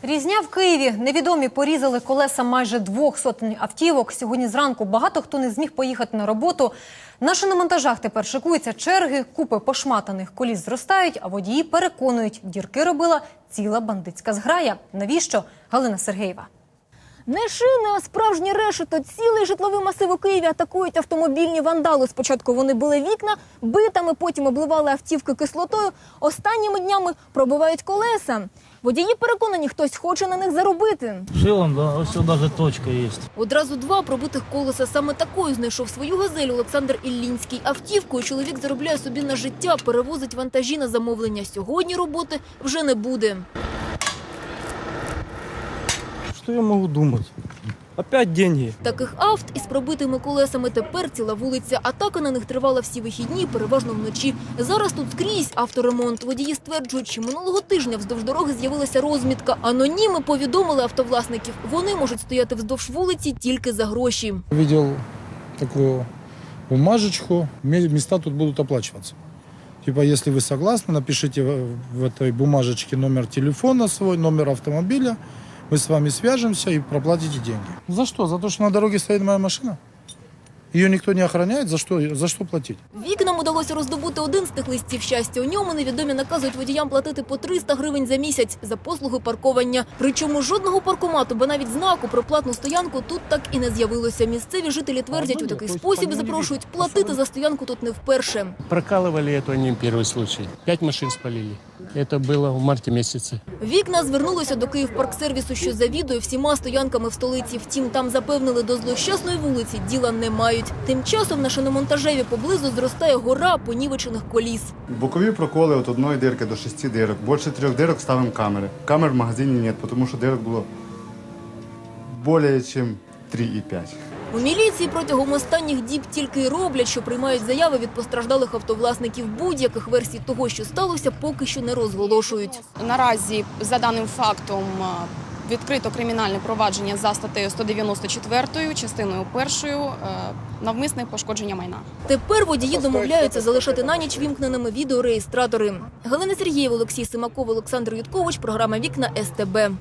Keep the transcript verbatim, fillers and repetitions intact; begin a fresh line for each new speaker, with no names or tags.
Різня в Києві. Невідомі порізали колеса майже двох сотень автівок. Сьогодні зранку багато хто не зміг поїхати на роботу. На шиномонтажах тепер шикуються черги, купи пошматаних коліс зростають, а водії переконують, дірки робила ціла бандитська зграя. Навіщо? Галина Сергеєва.
Не шини, а справжні решето. Цілий житловий масив у Києві атакують автомобільні вандали. Спочатку вони били вікна, битами, потім обливали автівки кислотою. Останніми днями пробивають колеса. Водії переконані, хтось хоче на них заробити.
Шилом, да, ось навіть точка є.
Одразу два пробитих колеса. Саме такою знайшов свою «Газель» Олександр Іллінський. Автівкою чоловік заробляє собі на життя, перевозить вантажі на замовлення. Сьогодні роботи вже не буде.
Що я можу думати? Опять деньги.
Таких авт із пробитими колесами тепер ціла вулиця. Атака на них тривала всі вихідні, переважно вночі. Зараз тут скрізь авторемонт. Водії стверджують, що минулого тижня вздовж дороги з'явилася розмітка. Аноніми повідомили автовласників. Вони можуть стояти вздовж вулиці тільки за гроші.
Видел такую бумажечку, места тут будут оплачиваться. Типа, если вы согласны, напишите в этой бумажечке номер телефона свой, номер автомобиля. Мы с вами свяжемся и проплатите деньги. За что? За то, что на дороге стоит моя машина? Ее никто не охраняет? За что, за что платить?
Вікнам удалося роздобути один з тих листів щастя. У ньому невідомі наказують водіям платити по триста гривень за місяць за послуги паркування. Причому жодного паркомату, бо навіть знаку про платну стоянку тут так і не з'явилося. Місцеві жителі твердять, у такий спосіб запрошують платити за стоянку тут не вперше.
Прокалывали это не первый случай. Пять машин спалили. Это было в марте месяце.
Вікна звернулися до Київпарксервісу, що завідує всіма стоянками в столиці. Втім, там запевнили, до злощасної вулиці діла не мають. Тим часом на шиномонтажеві поблизу зростає гора понівечених коліс.
Бокові проколи від одної дирки до шести дирок. Більше трьох дирок ставимо камери. Камер в магазині немає, тому що дирок було більше, ніж три і п'ять.
У міліції протягом останніх діб тільки й роблять, що приймають заяви від постраждалих автовласників. Будь-яких версій того, що сталося, поки що не розголошують.
Наразі, за даним фактом, відкрито кримінальне провадження за статтею сто дев'яносто чотири, частиною першою, навмисне пошкодження майна.
Тепер водії домовляються залишати на ніч вімкненими відеореєстратори. Галина Сергієва, Олексій Симаков, Олександр Юткович. Програма «Вікна» ес те бе.